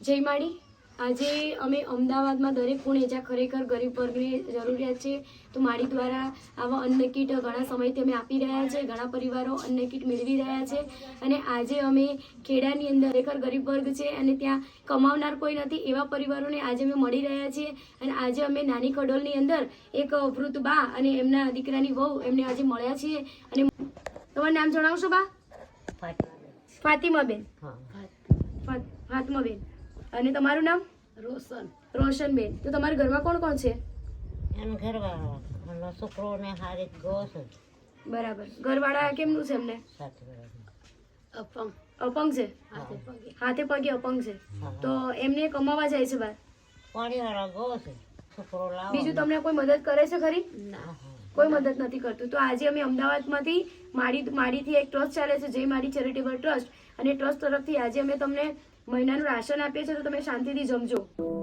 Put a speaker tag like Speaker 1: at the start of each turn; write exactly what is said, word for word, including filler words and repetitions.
Speaker 1: જય માડી। આજે અમે અમદાવાદમાં દરેક ખૂણે જ્યાં ખરેખર ગરીબ વર્ગની જરૂરિયાત છે તો માડી દ્વારા આવા અન્ન કીટ ઘણા સમયથી અમે આપી રહ્યા છે। ઘણા પરિવારો અન્ન કીટ મેળવી રહ્યા છે અને આજે અમે ખેડાની અંદર ખરેખર ગરીબ વર્ગ છે અને ત્યાં કમાવનાર કોઈ નથી એવા પરિવારોને આજે અમે મળી રહ્યા છીએ અને આજે અમે નાની ખડોલની અંદર એક વૃદ્ધ બા અને એમના દીકરાની વહુ એમને આજે મળ્યા છીએ। અને તમારું નામ જણાવશો બા? ફાતિમાબેન। ફાતિમાબેન અને તમારું નામ?
Speaker 2: રોશન
Speaker 1: રોશનબેન। તો તમારા ઘરમાં કોણ કોણ છે?
Speaker 2: એમ ઘરવાળા છોકરો ને હારે ગો છે।
Speaker 1: બરાબર। ઘરવાળા કેમનું છે એમને?
Speaker 2: અપંગ
Speaker 1: અપંગ છે?
Speaker 2: હાથે પગે
Speaker 1: હાથે પગે અપંગ છે। તો એમને કમાવા જાય છે બહાર?
Speaker 2: પાણી વાળા ગો છે છોકરો લાવો।
Speaker 1: બીજું તમને કોઈ મદદ કરે છે ખરી?
Speaker 2: ના,
Speaker 1: કોઈ મદદ નથી કરતું। તો આજે અમે અમદાવાદમાંથી માડી માડીથી એક ટ્રસ્ટ ચાલે છે જય માડી ચેરિટેબલ ટ્રસ્ટ અને ટ્રસ્ટ તરફથી આજે અમે તમને મહિનાનું રાશન આપીએ છીએ તો તમે શાંતિથી જમજો।